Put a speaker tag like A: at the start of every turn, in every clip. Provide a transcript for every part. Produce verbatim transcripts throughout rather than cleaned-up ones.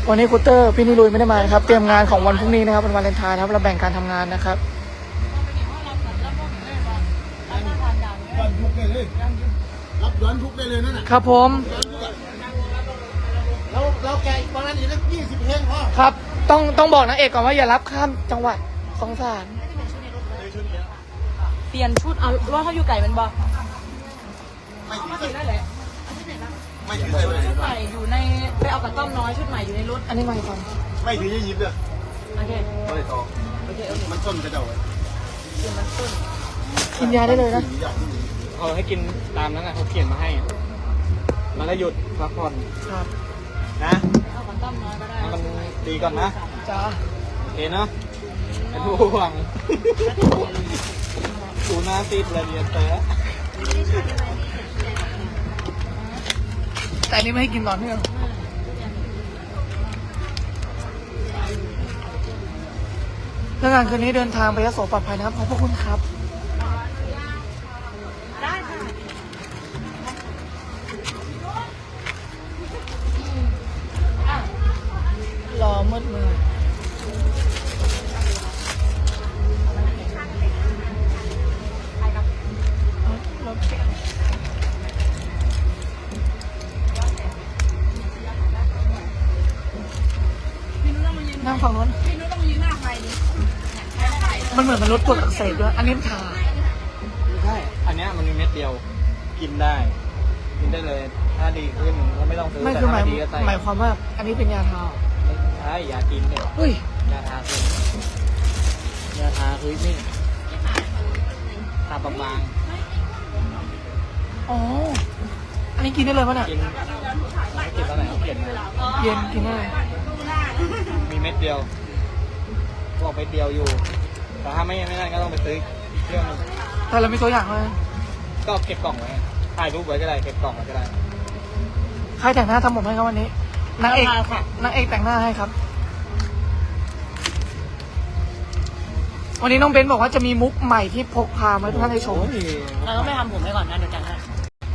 A: วันนี้คูเตอร์พี่นิรุยไม่ได้มาครับเตรียมงานของวันพรุ่งนี้นะครับวันวาเลนไทน์นะครับเราแบ่งการทำงานนะครับ
B: รับย้อนทุกได้เลยนั่นน่ะ
A: ครับผม
B: แล้วเราแกอีกวันนั้นอีกสักยี่สิบเพลงพ่อ
A: ครับต้องต้องบอกนางเอกก่อนว่าอย่ารับข้ามจังหวัดสงสาร
C: เปลี่ยนชุดเอาว่าเขาอยู่ไก่มันบอก
B: ไม่ถึง
C: เขา
B: เล
C: ถึ
B: ย
C: งได้แหละ
B: ไม่ถึงเลย
C: ชุดใหม่อยู่ในไปเอากระต้อมน้อยชุดใหม่อยู่ในรถ
A: อันนี้มาก่อน
B: ไม่ถึงยี่สิบเลย
C: โอเค
B: ไม่ต่อ
C: โอเคโอเค
B: มันต้นกระเจ้าไว้
C: เปลี่ยนมันต้น
A: กินยาได้เลยนะ
D: เขาให้กินตามนั้นนะเขาเขียนมาให้แล้วก็หยุดพักผ่อน
A: ครับ
D: นะ
C: เอากระต้อมน้อยก็ได้
D: ให้มันดีก่อนนะ
A: จ้า
D: โอเคเนาะเป็นผู้หวังดูหน้าติดเลยเรียนแต่
A: แต่อันนี้ไม่ให้กินต่อเนื่องเรื่องงานคืนนี้เดินทางไปยโสปลอดภัยนะครับขอบพระคุณครับรอมืดมือนั่งฝั่งนู้นมันเหมือนมันลดกรดอักเสบด้วยอันนี้ทา
D: ไม่ใช่อันเนี้ยมันมีเม็ดเดียวกินได้กินได้เลยถ้าดีขึ้นก็ไม่ต้องซื้อ
A: ไม่
D: แต่
A: คือห
D: ถ้า
A: มา
D: ไม่
A: ย
D: ดีก็ใส่
A: หมายความว่า อันนี้เป็นยาทา
D: ใช่ยากินเนี่ย
A: เฮ้ย
D: ยาทาคือยาทาคือนี่ทาบาง
A: อ๋ออันนี้กินได้เลยปะเนี่ย
D: ๆกินไม่กินตอนไหนเขาเขียนมา
A: เย็นกินได้เลย
D: มีเม็ดเดียวบอกเม็ดเดียวอยู่ แต่ถ้าไม่ไม่ได้ก็ต้องไปซื้ออีกเครื่องหนึง
A: แต่เรามีตัวอย่างเลย
D: ก็เก็บกล่องไว้ถ่ายรูปไว้ก็ได้เก็บกล่องไว้ก็ได้
A: ใครแต่งหน้าทำผมให้ครับวันนี้นางเอกนางเอกแต่งหน้าให้ครับ วันนี้น้องเบนบอกว่าจะมีมุกใหม่ที่พกพามาให้ทุกท่านได้ชม
D: โอ้ย
C: เราต้องไม่ทำผมให้ก่อนนะเดี๋ยวจังให้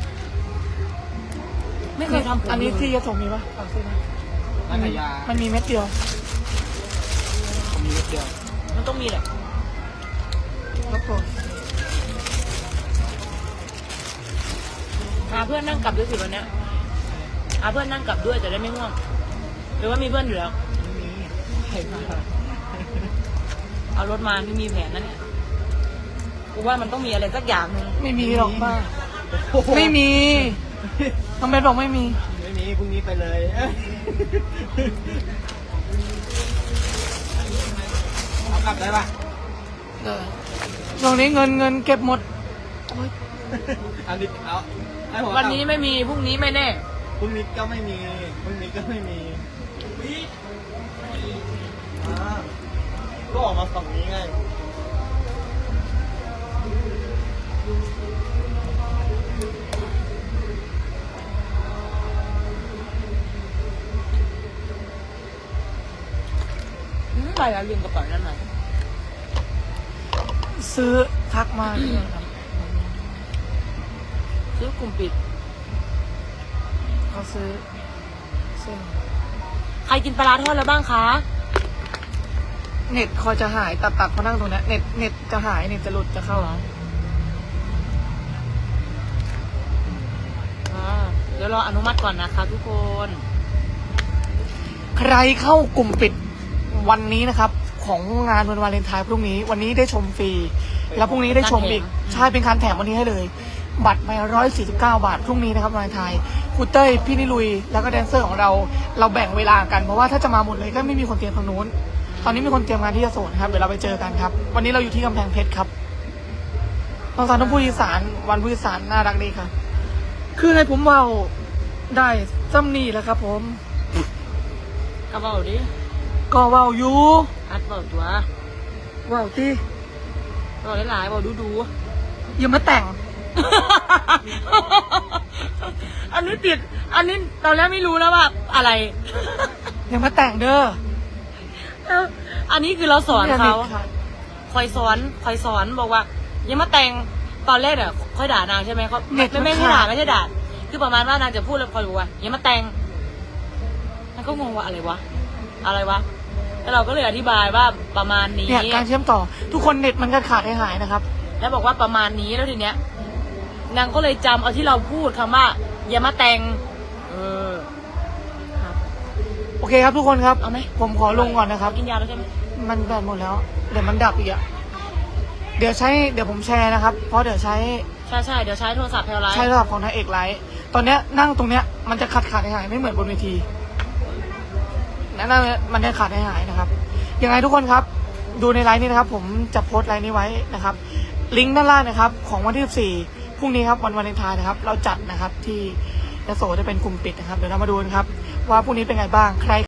C: ไม่เคยทำผม
A: อันนี้ที่ยะโสมีปะฝากซื้อนะ
D: นักยา
A: มันมีเม็ดเดียว
D: มีเม็ดเดียว
C: มันต้องมีแหละ
A: ครับผม
C: หาเพื่อนนั่งกลับด้วยสิวันเนี้ยหาเพื่อนนั่งกลับด้วยจะได้ไม่ง่วงหรือว่ามีเพื่อนอยู่แล้ว
D: ใครมา
C: เอารถมาไม่มีแผนนะเนี่ยกูว่ามันต้องมีอะไรสักอย่างหนึ่ง
A: ไม่มีหรอกบ้าไม่มีน้องเบนบอกไม่มี
D: ไม่มีพรุ่งนี้ไปเลยเอากลับได้ปะ
A: เออช่วงนี้เงินเงินเก็บหมดโอ๊ย
D: อันนี้เอาให้ผม
C: วันนี้ไม่มีพรุ่งนี้ไม่แน่
D: พรุ่งนี้ก็ไม่มีพรุ่งนี้ก็ไม่มีอ่าก็ออกมาฝั่งนี้ไง
C: อืมไปแล้วลืมกระเป๋านั่นหน่อย
A: ซื้อทักมาเลยครับ
C: ซื้อกลุ่มปิด
A: เขาซื้อซื้อ
C: ใครกินปลาร้าทอดแล้วบ้างคะ
A: เน็ตคอยจะหายตัดตัดเขานั่งตรงเนี้ยเน็ตเน็ตจะหายเน็ตจะหลุดจะเข้า
C: อ่าเดี๋ยวรออนุมัติก่อนนะคะทุกคน
A: ใครเข้ากลุ่มปิดวันนี้นะครับ ของงานวันวาเลนไทน์พรุ่งนี้วันนี้ได้ชมฟรีแล้วพรุ่งนี้ได้ชมอีกใช่เป็นการแถมวันนี้ให้เลย บัตรไปร้อยสี่สิบเก้าบาทพรุ่งนี้นะครับวาเลนไทน์ครูเต้ยพี่นิลุยแล้วก็แดนเซอร์ของเราเราแบ่งเวลากันเพราะว่าถ้าจะมาหมดเลยก็ไม่มีคนเตรียมทางนู้นตอนนี้มีคนเตรียมงานที่ยโสนะครับเดี๋ยวเราไปเจอกันครับ วันนี้เราอยู่ที่กำแพงเพชรครับตอนสารต้องพูดอีสานวันพูดอีสานน่ารักดีครับ คือให้ผมเว่าได้ซ้ำนี่แหล้วครับ ผม
C: กระเป๋าดิ
A: ก็เว่าอยู่
C: อัดเป๋าตัว
A: เว่าที่
C: เป๋าหลายๆเป๋าดูดู
A: อย่ามาแต่ง
C: ๆอันนี้ติด อันนี้ตอนแรกไม่รู้แล้วว่าอะไร
A: อย่ามาแต่งเด้อ
C: อันนี้คือเราสอนเขา
A: อย่ด็ดขด
C: คอยสอนคอยสอนบอกว่าอย่ามาแต่งตอนแรกเนี่ยค่อยด่านางใช่ไหมเขาไม่ไม่ไม่ใช่ด่าไม่ใช่ด่าคือประมาณว่านางจะพูดแล้วคอยบอกว่าอย่ามาแต่งนางก็งงว่าอะไรวะอะไรวะแล้วเราก็เลยอธิบายว่าประมาณนี้
A: เนี่ยการเชื่อมต่อทุกคนเน็ตมันก็ขาดหายๆนะครับ
C: แล้วบอกว่าประมาณนี้แล้วทีเนี้ยนางก็เลยจำเอาที่เราพูดคำว่าอย่ามาแต่งเออครับ
A: โอเคครับทุกคนครับ
C: เอาไหม
A: ผมขอลงก่อนนะครับ
C: กินยาแล้วใช่ไหม
A: มันแบตหมดแล้ว เดี๋ยวมันดับอีกอะเดี๋ยวใช้เดี๋ยวผมแชร์นะครับ เพราะเดี๋ยวใช้
C: ใช่ใช่เดี๋ยวใช้โทรศัพท์แพลไลท์
A: ใช้ระดับของนายเอกไลท์ตอนเนี้ยนั่งตรงเนี้ยมันจะขาดขาดหายๆไม่เหมือนบนเวทีนั่นมันจะขาดหายๆนะครับยังไงทุกคนครับ ดูในไลน์นี้นะครับ ผมจะโพสต์ไลน์นี้ไว้นะครับ ลิงก์ด้านล่างนะครับ ของวันที่สิบสี่พรุ่งนี้ครับวันวาเลนไทน์นะครับ เราจัดนะครับที่ยโสจะเป็นกลุ่มปิดนะครับ เดี๋ยวเรามาดูนะครับ ว่าพรุ่งนี้เป็นไงบ้างใคร